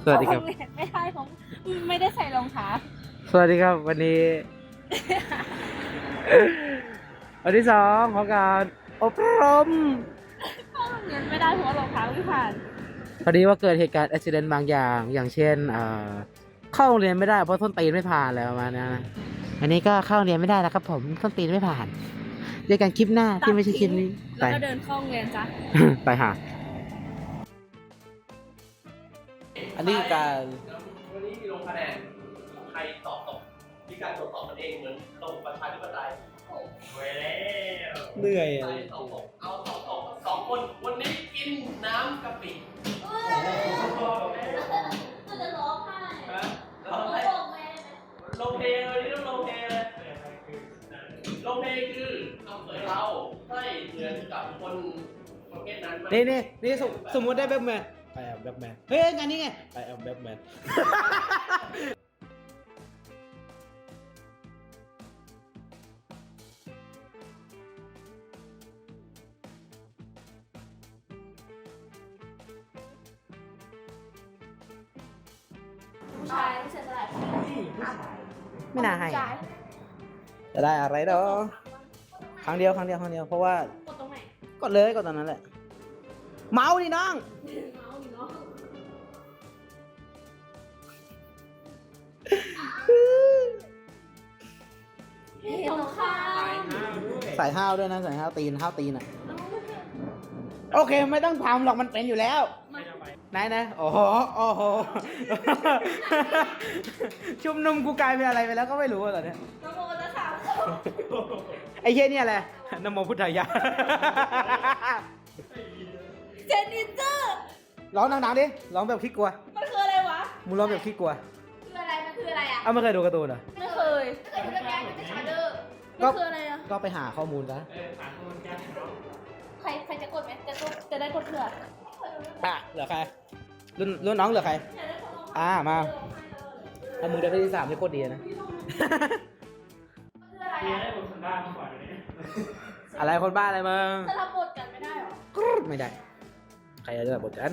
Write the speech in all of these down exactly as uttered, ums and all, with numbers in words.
สวัสดีครับไม่ใช่ผมไม่ได้ใส่รองเท้าสวัสดีครับวันนี้ วันที่สองของการอบรมเข้าโรงเรียนไม่ได้เพราะว่ารองเท้าไม่ผ่านพอดีว่าเกิดเหตุการณ์อุบิเหตุบางอย่าง อย่างเช่นเอ่อเข้าโรงเรียนไม่ได้เพราะส้นตีนไม่ผ่านแล้วประมาณนั้นนะอันนี้ก็เข้าโรงเรียนไม่ได้นะครับผมส้นตีนไม่ผ่านเจอกันคลิปหน้าที่ไม่ใช่คลิปนี้แล้ไปวก็เดินเข้าโรงเรียนจ้ะไปหาอันนี้การวันนี้มีลงคะแนนใครตอบตกมีการตรวจสอบกันเองเหมือนระบบประชาธิปไตยโอ้เว้ยแล้วเหนื่อยใครตอบตกเอาตอบตกสองคนวันนี้กินน้ำกะปิก็จะร้องไห้ฮะเราให้ลงเพลงเลยนี่ต้องลงเพลงเลยลงเพลงคือทำเสยเราให้เหมือนกับคนประเภทนั้นไหมนี่นี่นี่สมสมมติได้แบ็คแมนไปแอมแบ็คแมนเฮ้ยงานนี้ไงไปแอมแบ็คแมนผู้ชายผู้ชายสลายไม่น่าให้จะได้อะไรดอกครั้งเดียวครั้งเดียวครั้งเดียวเพราะว่ากดตรงไหนกดเลยกดตอนนั้นแหละเมาส์ดิน้องเมาส์อยู่เนาะเห็นตรงข้ามใส่ห้าวด้วยนะใส่ห้าวตีนห้าวตีนอ่ะโอเคไม่ต้องทำหรอกมันเป็นอยู่แล้วไหนนะโอ้โหโอ้โห ชุมนุมกูกลายเป็นอะไรไปแล้วก็ไม่รู้ตอนเนี้ยน้องโมจะถามไอ้เหี้ยเนี่ยแหละนโมพุทธายะเจนนิเตอร์ร้องดังๆดิร้องแบบขี้กลัวมันคืออะไรวะมึงร้องแบบขี้กลัวคืออะไรมันคืออะไรอ่ะเอ้าไม่เคยดูการ์ตูนเหรอไม่เคยไม่เคยดูเรื่องแกมันเป็นชาเดอร์มันคืออะไรอ่ะก็ไปหาข้อมูลซะใครใครจะกดไหมจะต้องจะได้กดเผื่ออ่ะเหลือใครรุ่นรุ่นน้องเหลือใครอ่ามาถ้ามึงได้ที่สามนี่โคตรดีนะมีให้คนคนบ้ามาก่อนเลยอะไรคนบ้าอะไรมึงจะทำบทกันไม่ได้หรอกรู๊ดไม่ได้ ใครจะได้บทกัน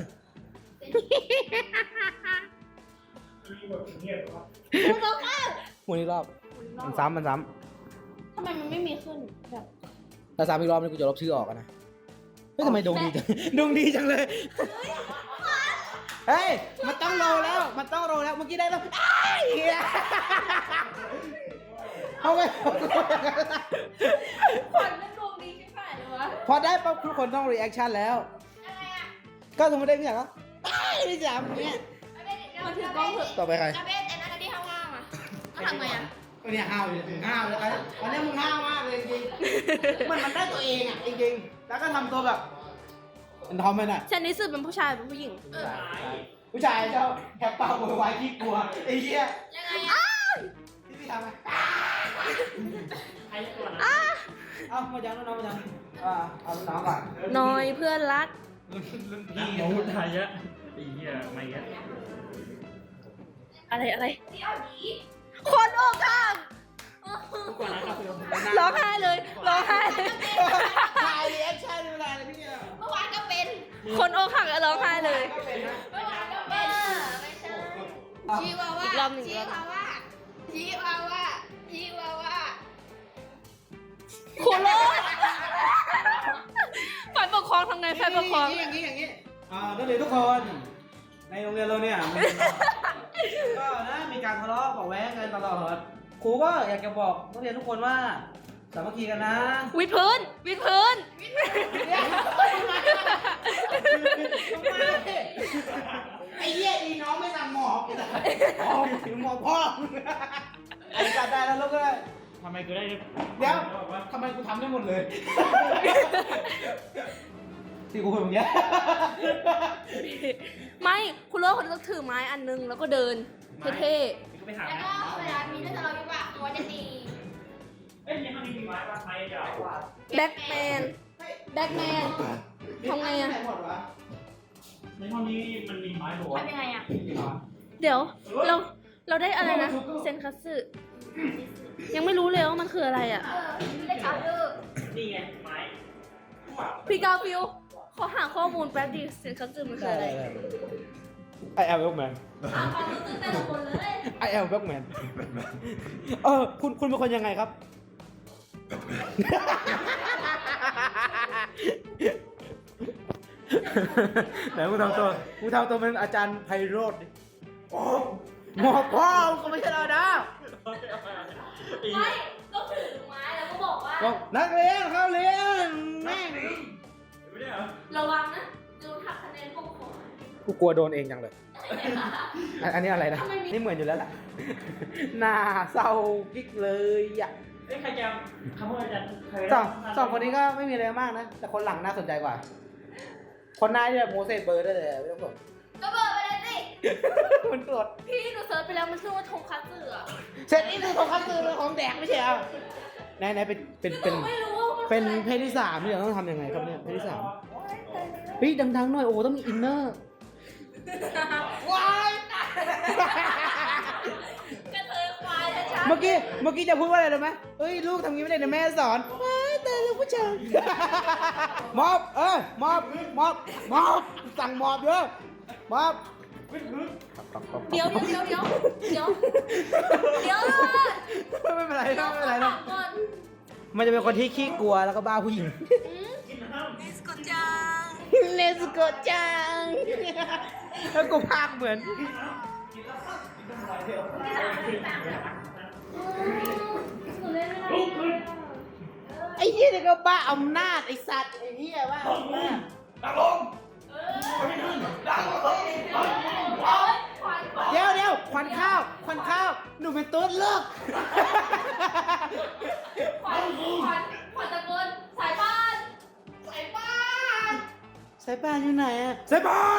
คุณต้องข้ามหมุนอีกรอบมันซ้ำมันซ้ทำไมมันไม่มีขึ้นแบบำถ้าซ้ำอีกรอบนี่กูจะลบชื่อออกอะนะเฮ้ยทำไมดวงดีจัง ดวงดีจังเลยเฮ้ยมันต้องโรลแล้วมันต้องโรลแล้วเมื่อกี้ได้แล้วอ้ายเหี้ยเอาไปขวัญมันดวงดีใช่ไหมเลยวะพอได้ปั๊บทุกคนต้องรีแอคชั่นแล้วอะไรอ่ะก็สมมติได้พี่อยากก็อ้ายพี่สามอย่างเงี้ยมันถือกล้องเถอะต่อไปใครกระเบนไอ้นั่นที่ห้าวๆอ่ะมันทำไงอ่ะก็เนี่ยห้าวอยู่ถึงห้าวเลยวันนี้มึงห้าวมากเลยจริงๆมันมันได้ตัวเองอ่ะจริงๆแล้วก็ทำตัวแบบเป็นทอมไปหน่อยฉันนี่สื่อเป็นผู้ชายเป็นผู้หญิงผู้ชายชอบแคปเป่าโวยวายขี้กลัวไอ้เหี้ยยังไงอ่ะที่พี่ทำไงเอามาจังน้องมาจังอ่าเอาน้องก่อนน้อยเพื่อนรักพี่โอ้ทายะไอ้เหี้ยไม่เงี้ยอะไรอะไรคนอกข้างทุกคนนะครับร้องไห้เลยร้องไห้เลยถ่ายรีแอคชั่นเวลาอะไรพี่เนี่ยเมื่อวานก็เป็น คนอกหักก็ร้องไห้เลยก็เป็นนะเมื่อวานก็เป็นไม่ใช่ชีวาว่าอีกรอบหนึ่งชีวาว่าชีวาว่าชีวาว่าคุณโลดฝ่ายปกครองทำไงฝ่ายปกครองอย่างนี้อย่างนี้อ่าก็เลยทุกคน ในโรงเรียนเราเนี่ยก็นะมีการทะเลาะเบาะแว้งกันตลอดครูก็อยากจะบอกนักเรียนทุกคนว่าสามัคคีกันนะวิดพื้นวิดพื้นไอ้เหี้ยอีน้องไม่สั่งหมอบอ๋อถึงหมอบพ่อไอ้จัดได้แล้วลูกก็ได้ทำไมกูได้เดี๋ยวทำไมกูทำได้หมดเลยที่กูพูดอย่างเงี้ยไม่คุณโลดคนต้องถือไม้อันนึงแล้วก็เดินเท่กูไปหาแล้วก็เวลามีเรื่องทะเลาะวิวาทตัวจะตีเอ้ยยังมีไม้ป่ะไม้ยาวกว่าๆแบ็กแมนแบ็กแมนทำไงอะหมดวะในห้องนี้มันมีไม้หัวทำยังไงอ่ะเดี๋ยวเราเราได้อะไรนะเซนคัตสึยังไม่รู้เลยว่ามันคืออะไรอ่ะเออไม่ได้ข่าวเลิกนี่ไงไม้พี่กาฟิวขอหาข้อมูลแป๊บดิเซนคัตสึมันคืออะไร I am Batman ถามความรู้สึกแต่ละคนเลย I am Batman เออคุณคุณเป็นคนยังไงครับ ไหนมึงทำตัวมึงทำตัวเป็นอาจารย์ไพโรจน์ดิโอ้หมอพ่อก็ไม่ใช่เรานะไม่ก็ถือไม้แล้วก็บอกว่าบอกนักเรียนเข้าเรียนแม่งระวังนะโดนหักคะแนนพวกผมกูกลัวโดนเองจังเลย อันอันนี้อะไรนะ นี่เหมือนอยู่แล้วแหละ หน้าเศร้ากิ๊กเลยอ่ะเอ้ยใครจะคำว่าอาจารย์ใครสองสองคนนี้ก็ไม่มีอะไรมากนะ แต่คนหลังน่าสนใจกว่า คนหน้าที่แบบโมเสสเบอร์ได้เลยไม่ต้องกดก็เบิร์ไปเลยสิมันกดพี่หนูเซิร์ชไปแล้วมันชื่อว่าทงคัตสึอะเสร็จนี่คือของคัตสึเป็นของแดกไม่ใช่เหรอไหนไหนเป็นเป็นเป็นไม่รู้ว่ามันเป็นเพศที่สามที่เราต้องทำยังไงครับเนี่ยเพศที่สามเฮ้ยดังๆหน่อยโอ้ต้องมีอินเนอร์ว้ายกระเทยควายชัดเมื่อกี้เมื่อกี้จะพูดว่าอะไรรู้ไหมเฮ้ยลูกทำงี้ไม่ได้นะแม่สอนว้ายแต่ลูกผู้ชายมอบเออมอบมอบมอบสั่งมอบเยอะมอบเดี๋ยวเดี๋ยวเดี๋ยวเดี๋ยวเดี๋ยวไม่เป็นไรเดี๋ยวไม่เป็นไรนะก่อนมันจะเป็นคนที่ขี้กลัวแล้วก็บ้าผู้หญิงเนสโกจังเนสโกจังแล้วกูพากเหมือนหนูเล่นไม่ได้ไอ้เหี้ยนี่ก็บ้าอำนาจไอ้สัตว์ไอ้เหี้ยว่าอำนาจดังลงดังลงเดี๋ยวเดี๋ยวควันข้าวควันข้าวหนูเป็นตุ๊ดเลิกขวัญขวัญขวัญตะโกนสายบ้านสายบ้านสายป่านอยู่ไหนอะสายป่าน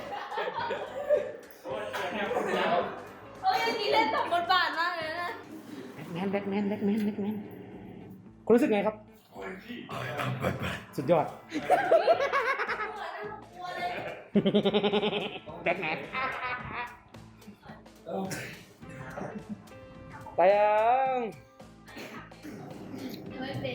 เอ้ยอันนี้เล่นสมบทบาทมากเลยนะแบ็คแมนแบ็คแมนแบ็คแมนแบ็คแมนคุณรู้สึกไงครับ สุดยอด แบ็คแมนไปยังไม่เป็น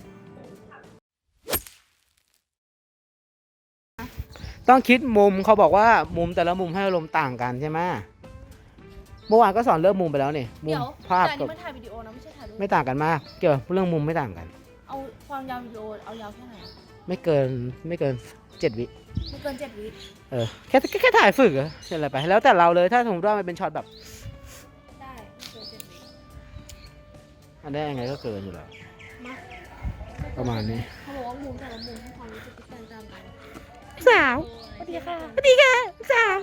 ต้องคิดมุมเขาบอกว่ามุมแต่ละมุมให้อารมณ์ต่างกันใช่ไหมเมื่อวานก็สอนเรื่องมุมไปแล้วนี่มุมเดี๋ยวภาพแต่อันกับนี้มันถ่ายวิดีโอนะไม่ใช่ถ่ายรูปไม่ต่างกันมาก เกี่ยวกับเรื่องมุมไม่ต่างกันเอาความยาววิดีโอเอายาวแค่ไหนอะไม่เกินไม่เกินเจ็ดวิไม่เกินเจ็ดวิเออแค่แค่แค่ถ่ายฝึกอะเสร็จอะไรไป แล้วแต่เราเลยถ้าสมมติว่ามันเป็นช็อตแบบได้ไม่เกินเจ็ดวิอันนี้ยังไงก็เกินอยู่แล้วมาประมาณนี้เขาบอกว่ามุมแต่ละมุมให้ความรู้สึกที่แตกต่างกันสาวสวัสดีค่ะสวัสดีค่ะสาว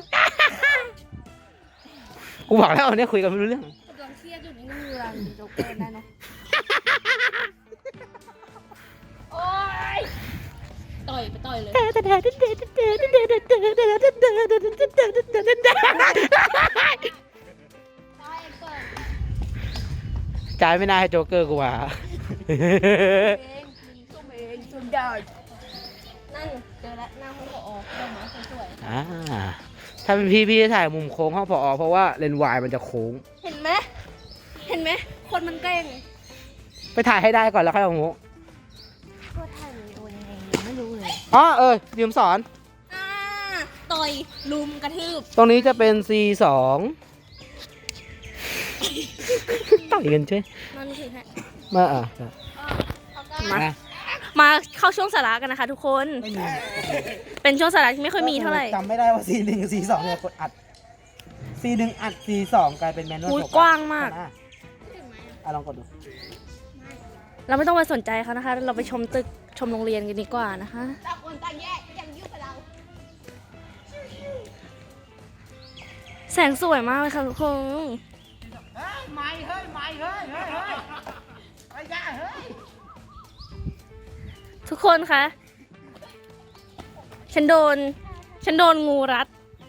กูบอกแล้วเนี่ยคุยกันไม่รู้เรื่องกำลังเครียดอยู่นี่ก็มีเวลาดูโจ๊กเกอร์ได้เนาะโอ๊ยต่อยไปต่อยเลยต่อยเปิดจ่ายไม่น่าให้โจ๊กเกอร์กูว่าเองส้มเองส้มดาวนั่นเจอแล้วหน้าห้องผอดอกไม้สวยอ่าถ้าเป็นพี่พี่จะถ่ายมุมโค้งห้องพอเพราะว่าเลนส์วายมันจะโค้งๆเห็นไหมเห็นไหมคนมันเก่งไปถ่ายให้ได้ก่อนแล้วค่อยเอาโมก็ถ่ายวิดีโอยังไงยังไม่รู้เลยอ๋อเออลืมสอนอ่าต่อยลุมกระทืบตรงนี้จะเป็น ซี สอง ต่อยกันใช่มันถึงฮะมาอ่ะมา มาเข้าช่วงสาระกันนะคะทุกคนไม่มีเป็นช่วงสาระที่ไม่ค่อยมีเท่าไหร่จำไม่ได้ว่า ซี หนึ่ง กับ ซี สองเนี่ยกดอัด ซี หนึ่ง อัด ซี สอง กลายเป็นแมนนวลอุ๊ยกว้างมากอ่ะลองกดดูเราไม่ต้องไปสนใจเขานะคะ เราไปชมตึกชมโรงเรียนกันดีกว่านะคะต่างคนต่างแยกยังยุ่งกับเราแสงสวยมากเลยค่ะทุกคนเฮ้ยไม่เฮ้ยไม่เฮ้ยเฮ้ยเฮ้ยไอ้ยาเฮ้ยทุกคนคะ ฉันโดน ฉันโดนงูรัด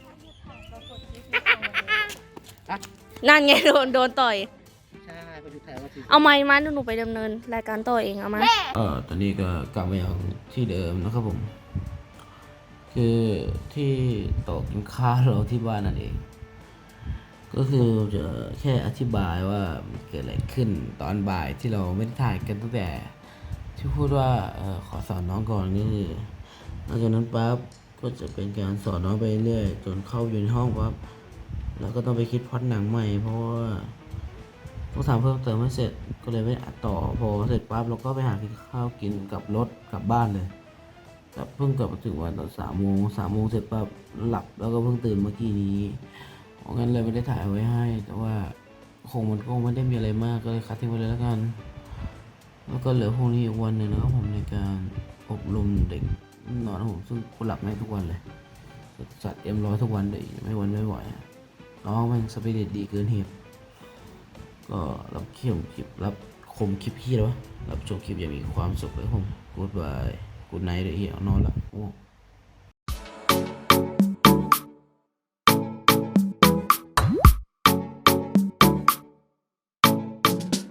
นั่นไงโดนโดนต่อยใช่ก็ดูถ่ายว่าเอาไม้มาหนูไปดำเนินรายการต่อเองเอามาเออตอนนี้ก็กลับมาอย่างที่เดิมนะครับผม คือที่โต๊ะกินข้าวเราที่บ้านนั่นเอง ก็คือจะแค่อธิบายว่ามันเกิดอะไรขึ้นตอนบ่ายที่เราไม่ได้ถ่ายกันตั้งแต่ ที่พูดว่าเออขอสอนน้องก่อนนี่คือหลังจากนั้นปั๊บก็จะเป็นการสอนน้องไปเรื่อยจนเข้าอยู่ในห้องปั๊บแล้วก็ต้องไปคิดพล็อตหนังใหม่เพราะว่าต้องทำเพิ่มเติมให้เสร็จก็เลยไม่อัดต่อพอเสร็จปั๊บเราก็ไปหากินข้าวกินกับรถกลับบ้านเลยกลับเพิ่งกลับมาถึงวันตอนสามโมงสามโมงเสร็จปั๊บหลับแล้วก็เพิ่งตื่นเมื่อกี้นี้เพราะงั้นเลยไม่ได้ถ่ายไว้ให้ แต่ว่าคงมันก็ไม่ได้มีอะไรมากก็เลยคัดทิ้งไปเลยแล้วกัน แล้วก็เหลือพรุ่งนี้อีกวันหนึ่งนะครับผมในการอบรมเด็กนอนของผมซึ่งกูหลับไม่ทุกวันเลยจัดเอ็มร้อยทุกวันเลยไม่วันไม่ไหวอะน้องมันสปิริตดีเกินเหตุก็รับเขี้ยวคลิปรับคมคลิปพี่แล้ววะรับชมคลิปอย่างมีความสุขเลยผมกูดบายกูดไนท์เลยเหี่ยวนอนละโอ้